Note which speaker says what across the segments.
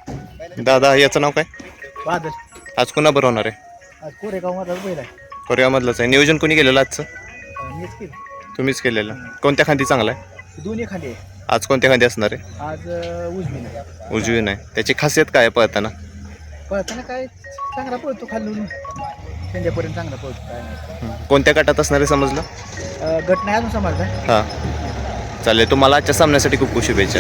Speaker 1: दादा याचं नाव काय?
Speaker 2: बादल.
Speaker 1: आज कोणाबरोबर होणार आहे?
Speaker 2: आज कोरेगाव मधला बैल आहे.
Speaker 1: कोरेगावमधलंच आहे. नियोजन कोणी केलेलं आजचं?
Speaker 2: मीच केली.
Speaker 1: तुम्हीच केलेलं. कोणत्या खांदी चांगला आहे?
Speaker 2: दोन्ही खाली आहे.
Speaker 1: आज कोणत्या खांदी असणार आहे?
Speaker 2: आज उजवी नाही.
Speaker 1: उजवी नाही. त्याची खासियत काय आहे पळताना?
Speaker 2: पळताना काय चांगला पळतो खालून संध्यापर्यंत चांगला पळतो काय नाही.
Speaker 1: कोणत्या गटात असणार आहे समजलं?
Speaker 2: गट नाही अजून समजला.
Speaker 1: हां चालेल. तुम्हाला आजच्या सामन्यासाठी खूप खूप शुभेच्छा.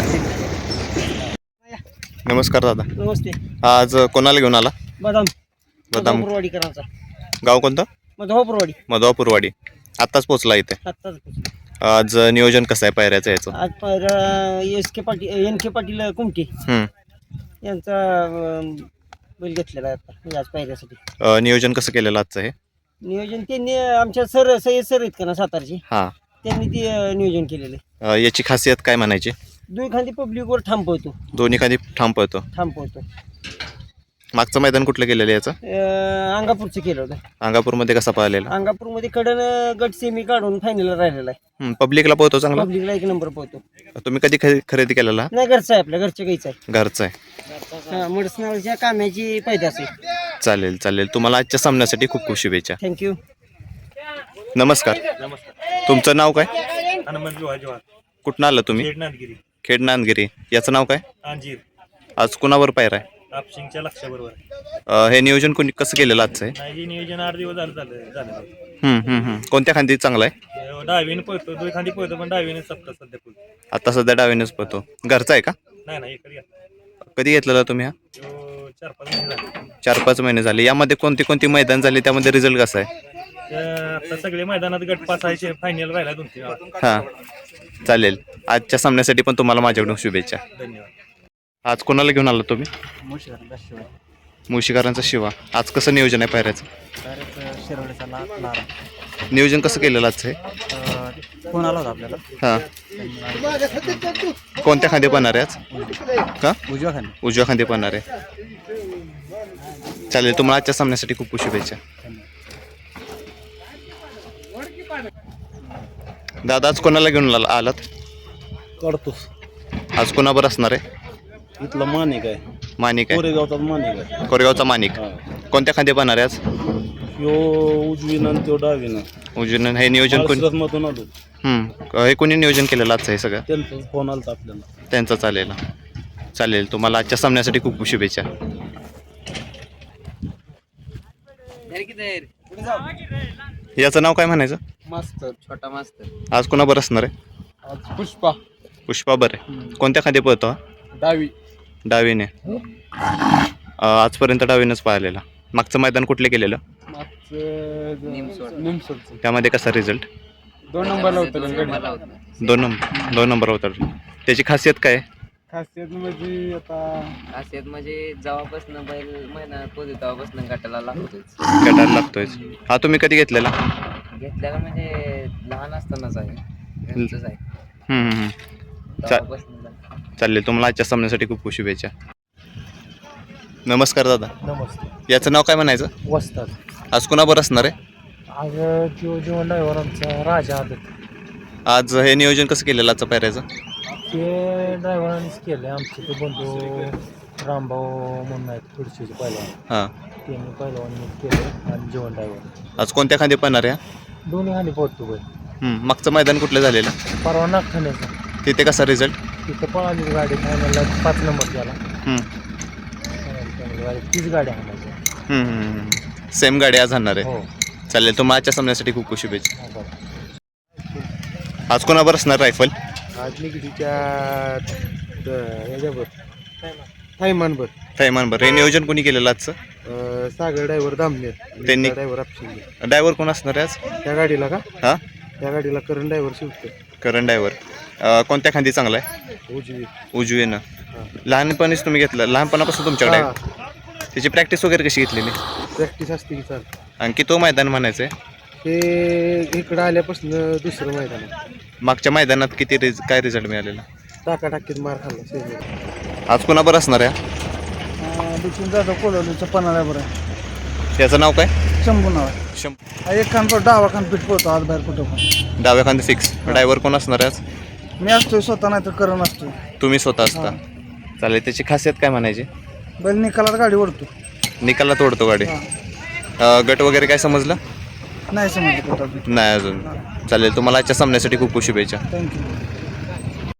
Speaker 1: नमस्कार दादा.
Speaker 2: नमस्ते.
Speaker 1: आज कोणाला घेऊन आला?
Speaker 2: बदाम.
Speaker 1: बदाम.
Speaker 2: पुरवाडीकरांचा.
Speaker 1: गाव कोणतं?
Speaker 2: मधवापुरवाडी.
Speaker 1: मधवापुरवाडी. आत्ताच पोचला इथे.
Speaker 2: आत्ताच.
Speaker 1: आज नियोजन कसं आहे पायऱ्याचं याचं?
Speaker 2: आज पहिला एन के पाटील कुमटे यांचा बैल घेतलेला आहे आता आज पायऱ्यासाठी.
Speaker 1: नियोजन कसं केलेलं आजचं हे?
Speaker 2: नियोजन त्यांनी आमच्या सय्यद सर आहेत का ना सातारचे,
Speaker 1: हां.
Speaker 2: त्यांनी ते नियोजन केलेलं.
Speaker 1: याची खासियत काय म्हणायची?
Speaker 2: दोन खांदी पब्लिकवर थांबवतो.
Speaker 1: दोन्ही खांदी ठाम पळतो. मागचं मैदान कुठलं केलेलं याचं?
Speaker 2: अंगापूरचं केलं होतं.
Speaker 1: अंगापूरमध्ये कसा पळालेला?
Speaker 2: अंगापूरमध्ये कडन गट सेमी काढून फायनलला राहिलेला आहे.
Speaker 1: पब्लिकला पळतो चांगला.
Speaker 2: पब्लिकला 1 नंबर पोहतो.
Speaker 1: तुम्ही कधी खरेदी केलेला?
Speaker 2: नाही, घरचा आहे, आपल्या घरच्या गाईचा आहे.
Speaker 1: घरचं आहे.
Speaker 2: मडसनाळच्या काम्याची पैदास आहे.
Speaker 1: चालेल चालेल. तुम्हाला आजच्या सामन्यासाठी खूप खूप शुभेच्छा.
Speaker 2: थँक्यू.
Speaker 1: नमस्कार. तुमचं नाव काय?
Speaker 3: हनुमंत लोहाजवार.
Speaker 1: कुठनं आलं तुम्ही?
Speaker 3: नांदगिरी.
Speaker 1: खेड नांदगिरी. याचं नाव काय?
Speaker 3: अंजीर.
Speaker 1: आज कुणावर पायरा आहे?
Speaker 3: आपशिंगच्या लक्षाबरोबर.
Speaker 1: हे नियोजन कोणी कसं केलेलं आजचं आहे?
Speaker 3: नाही, नियोजन 8 दिवस झालं.
Speaker 1: कोणत्या खांदी चांगला आहे?
Speaker 3: डावीने पळतो, 2 खांदी पळतो, पण डावीने सप्ताह सध्या पळतो.
Speaker 1: आता सध्या डावीनेच पळतो. घरचा आहे का?
Speaker 3: नाही इकडे
Speaker 1: कधी घेतलेला तुम्ही हा?
Speaker 3: 4-5 महिने झाले.
Speaker 1: 4-5 महिने झाले. यामध्ये कोणती मैदान झाली, त्यामध्ये रिझल्ट कसा आहे?
Speaker 3: आता सगळे मैदानात गट पास आहे, फायनल राहिला 2-3 वेळा.
Speaker 1: हां चालेल. आजच्या सामन्यासाठी पण तुम्हाला माझ्याकडून शुभेच्छा.
Speaker 3: धन्यवाद.
Speaker 1: आज कोणाला घेऊन आला तुम्ही? मुळशीकरांचा शिवा. आज कसं नियोजन आहे पायऱ्याचं? नियोजन कसं केलेलं आजचं हे?
Speaker 2: फोन आला होता आपल्याला.
Speaker 1: हां. कोणत्या खांदे पळणार आहे आज? का? उजव्या खांदे पळणार आहे. चालेल. तुम्हाला आजच्या सामन्यासाठी खूप खूप शुभेच्छा. दादा आज कोणाला घेऊन आलात?
Speaker 4: काढतोस.
Speaker 1: आज कोणाबर असणार आहे?
Speaker 4: इथला मानिक आहे.
Speaker 1: मानिक आहे.
Speaker 4: कोरेगावचा मानिक आहे.
Speaker 1: कोरेगावचा मानिक. कोणत्या खांदे पळणार आहे आज?
Speaker 4: ह्यो उजवीनं त्यो डावीनं.
Speaker 1: उजवीनं. हे नियोजन कोण?
Speaker 4: मधून आलो.
Speaker 1: हे कोणी नियोजन केलेलं आजचं हे सगळं?
Speaker 4: त्यांचा फोन आलता आपल्याला.
Speaker 1: त्यांचं चालेल. चालेल. तुम्हाला आजच्या सामन्यासाठी खूप खूप शुभेच्छा. याचं नाव काय म्हणायचं?
Speaker 2: मास्तर, छोटा मास्तर.
Speaker 1: आज कोणाबर असणार आहे?
Speaker 2: आज पुष्पा.
Speaker 1: पुष्पा बरं. कोणत्या खांदे पळतो हा?
Speaker 2: डावी.
Speaker 1: डावीने. आजपर्यंत डावीनंच पाहिलेला. मागचं मैदान कुठले केलेलं?
Speaker 2: निमसोडचं.
Speaker 1: त्यामध्ये कसा रिझल्ट?
Speaker 2: 2 नंबरला होतं.
Speaker 1: 2 नंबर होता. त्याची खासियत काय आहे?
Speaker 2: खासियत म्हणजे जेव्हापासून बैल मैदानात पोहोचतो तेव्हापासून गटाला
Speaker 1: लागतोय. हा तुम्ही कधी घेतलेला?
Speaker 2: घेतल्याला म्हणजे लहान असतानाच आहे. घरचंच आहे.
Speaker 1: चालेल. तुम्हाला आजच्या सामन्यासाठी खूप खूप शुभेच्छा. नमस्कार दादा.
Speaker 2: नमस्ते.
Speaker 1: याचं नाव काय म्हणायचं?
Speaker 2: वस्ताद.
Speaker 1: आज कुणाबर असणार आहे?
Speaker 2: आज जीवन ड्रायव्हरांचा राजा आदत.
Speaker 1: आज हे नियोजन कसं केलेलं आजचं पायऱ्याचं?
Speaker 2: ते ड्रायव्हरांनीच केलं. आमचे ते बंधू रामभाऊ म्हणून आहेत खुर्शीचे पहिलवान.
Speaker 1: हां.
Speaker 2: त्यांनी पहिलवान केलं आणि जीवन ड्रायव्हर.
Speaker 1: आज कोणत्या खांदे पळणार आहे?
Speaker 2: दोन्ही खाली पोहोचतो बैल.
Speaker 1: मागचं मैदान कुठलं झालेलं?
Speaker 2: परवा नागठाण्याचा.
Speaker 1: तिथे कसा रिझल्ट?
Speaker 2: तिथं पळाली गाडी फायनलला 5 नंबर झाला. तीच गाडी आणायची.
Speaker 1: सेम गाडी आज आणणार आहे.
Speaker 2: हो.
Speaker 1: चालेल. तुम्हाला आजच्या सामन्यासाठी खूप खूप शुभेच्छा. आज कोणाबर असणार रायफल?
Speaker 2: आज निगडीच्या ह्याच्यावर थैमानभर.
Speaker 1: थैमानभर. हे नियोजन कोणी केलेलं आजचं?
Speaker 2: सागर ड्रायव्हर दामनेर.
Speaker 1: त्यांनी.
Speaker 2: ड्रायव्हर आपशिंगे.
Speaker 1: ड्रायव्हर कोण असणार आहे आज?
Speaker 2: त्या गाडीला का?
Speaker 1: हां.
Speaker 2: त्या गाडीला करण ड्रायव्हर शिवतो.
Speaker 1: करण ड्रायव्हर. कोणत्या खांदी चांगला आहे?
Speaker 2: उजवी.
Speaker 1: उजवीनं. लहानपणीच तुम्ही घेतलं? लहानपणापासून तुमच्याकडे आहे? त्याची प्रॅक्टिस वगैरे कशी घेतलेली?
Speaker 2: प्रॅक्टिस असते की चाल.
Speaker 1: आणखी तो मैदान म्हणायचं आहे?
Speaker 2: हे इकडं आल्यापासून दुसरं मैदान आहे.
Speaker 1: मागच्या मैदानात किती काय रिझल्ट मिळालेला?
Speaker 2: टाकाटाकीत मार खाल्ला.
Speaker 1: आज कोणाबर असणार आहे?
Speaker 2: बिचून जातो कोलवलीचं पन्हाळ्यावर आहे.
Speaker 1: त्याचं नाव काय?
Speaker 2: शंभू नाव आहे. एक खान डावा खान पीठ पोहतो आज बाहेर कुठं पण.
Speaker 1: डाव्या खांदे फिक्स. ड्रायव्हर कोण असणार आहे आज?
Speaker 2: मी असतोय स्वतः, नाही तर करण असतोय.
Speaker 1: तुम्ही स्वतः असता. चालेल. त्याची खासियत काय म्हणायची?
Speaker 2: बैल निकालात गाडी ओढतो.
Speaker 1: निकालात ओढतो गाडी. गट वगैरे काय समजलं
Speaker 2: नाही समजलं
Speaker 1: नाही अजून. चालेल, तुम्हाला आजच्या सामन्यासाठी खूप खूप शुभेच्छा.
Speaker 2: थँक्यू.